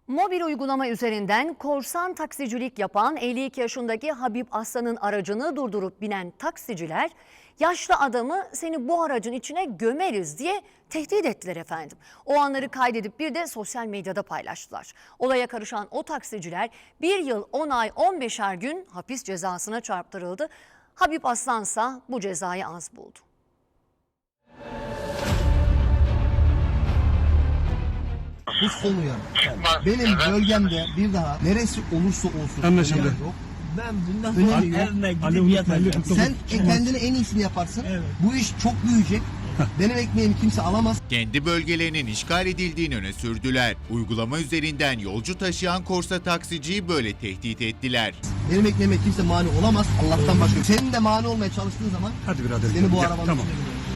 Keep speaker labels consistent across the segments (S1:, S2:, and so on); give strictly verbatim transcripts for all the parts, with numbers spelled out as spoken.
S1: Mobil uygulama üzerinden korsan taksicilik yapan elli iki yaşındaki Habib Aslan'ın aracını durdurup binen taksiciler yaşlı adamı seni bu aracın içine gömeriz diye tehdit ettiler efendim. O anları kaydedip bir de sosyal medyada paylaştılar. Olaya karışan o taksiciler bir yıl on ay on beşer gün hapis cezasına çarptırıldı. Habib Aslansa bu cezayı az buldu.
S2: Bu son uyarı. Benim bölgemde bir daha neresi olursa olsun.
S3: Anlaşıldı.
S2: uyarı yok.
S4: Ben bundan
S2: Önemi
S4: sonra
S2: yok.
S4: evime gidip
S3: Alo,
S4: yatacağım.
S3: alo.
S2: Sen kendine en iyisini yaparsın.
S4: Evet.
S2: Bu iş çok büyüyecek. Benim ekmeğimi kimse alamaz.
S5: Kendi bölgelerinin işgal edildiğini öne sürdüler. Uygulama üzerinden yolcu taşıyan korsa taksiciyi böyle tehdit ettiler.
S2: Benim ekmeğime kimse mani olamaz. Allah'tan başka. Senin de mani olmaya çalıştığın zaman
S3: Hadi birader.
S2: seni bu
S3: Gel,
S2: arabanın
S3: tamam.
S2: içine gömerim.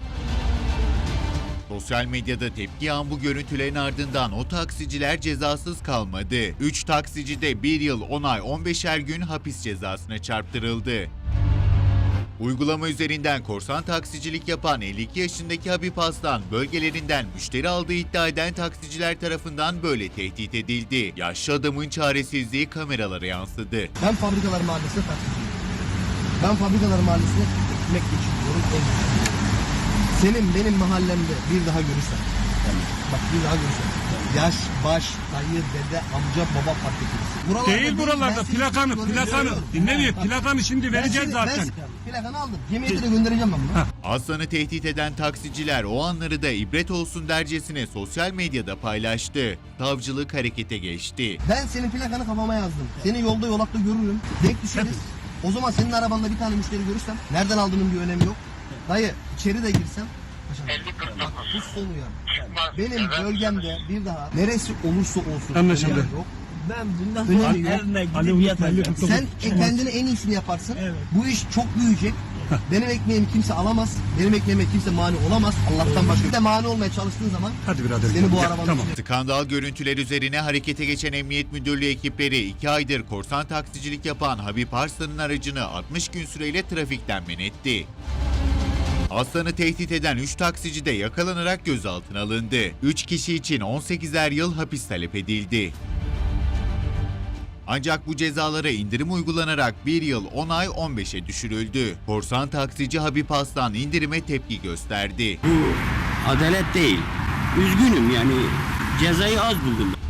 S5: Sosyal medyada tepki yağan bu görüntülerin ardından o taksiciler cezasız kalmadı. üç taksici de bir yıl on ay on beşer gün hapis cezasına çarptırıldı. Uygulama üzerinden korsan taksicilik yapan elli iki yaşındaki Habib Aslan bölgelerinden müşteri aldığı iddia eden taksiciler tarafından böyle tehdit edildi. Yaşlı adamın çaresizliği kameralara yansıdı.
S2: Ben Fabrikalar Mahallesi'ne taksiciyim. Ben Fabrikalar Mahallesi'ne ekmek geçiriyorum. ev geçiriyorum. Senin benim mahallemde bir daha görürsen, yani bak bir daha görürsen, yaş, baş, dayı, dede, amca, baba fark etmez. Buralarda
S3: Değil buralarda
S2: ben seni
S3: plakanı,
S2: görüyorum.
S3: plakanı. Dinle bir plakanı şimdi
S2: Ben
S3: vereceğiz
S2: seni-
S3: zaten.
S2: Ben seni- plakanı aldım. Cemiyete de göndereceğim ben bunu.
S5: Aslan'ı tehdit eden taksiciler o anları da ibret olsun dercesine sosyal medyada paylaştı. Savcılık harekete geçti.
S2: Ben senin plakanı kafama yazdım. Seni yolda yolakta görürüm. Denk düşeriz. O zaman senin arabanda bir tane müşteri görürsem nereden aldığının bir önemi yok. Dayı içeri de girsem. Paşam, bak bu son uyarı. Benim bölgemde bir daha neresi olursa olsun.
S3: Anlaşıldı.
S2: uyarı yok.
S4: Ben bundan
S2: Önemi
S4: sonra
S2: yok.
S4: evime gidip
S3: Alo,
S4: yatacağım.
S3: alo.
S2: Sen kendine en iyisini yaparsın.
S4: Evet.
S2: Bu iş çok büyüyecek. Benim ekmeğimi kimse alamaz. Benim ekmeğime kimse mani olamaz. Allah'tan başka. Bir de mani olmaya çalıştığın zaman
S3: Hadi birader.
S2: seni bu
S3: Gel,
S2: arabanın
S3: tamam.
S2: içine-
S5: Skandal görüntüler üzerine harekete geçen Emniyet Müdürlüğü ekipleri iki aydır korsan taksicilik yapan Habib Arslan'ın aracını altmış gün süreyle trafikten men etti. Aslan'ı tehdit eden üç taksici de yakalanarak gözaltına alındı. üç kişi için on sekizer yıl hapis talep edildi. Ancak bu cezalara indirim uygulanarak bir yıl on ay on beşe düşürüldü. Korsan taksici Habib Aslan indirime tepki gösterdi.
S6: Bu adalet değil. Üzgünüm yani cezayı az buldum.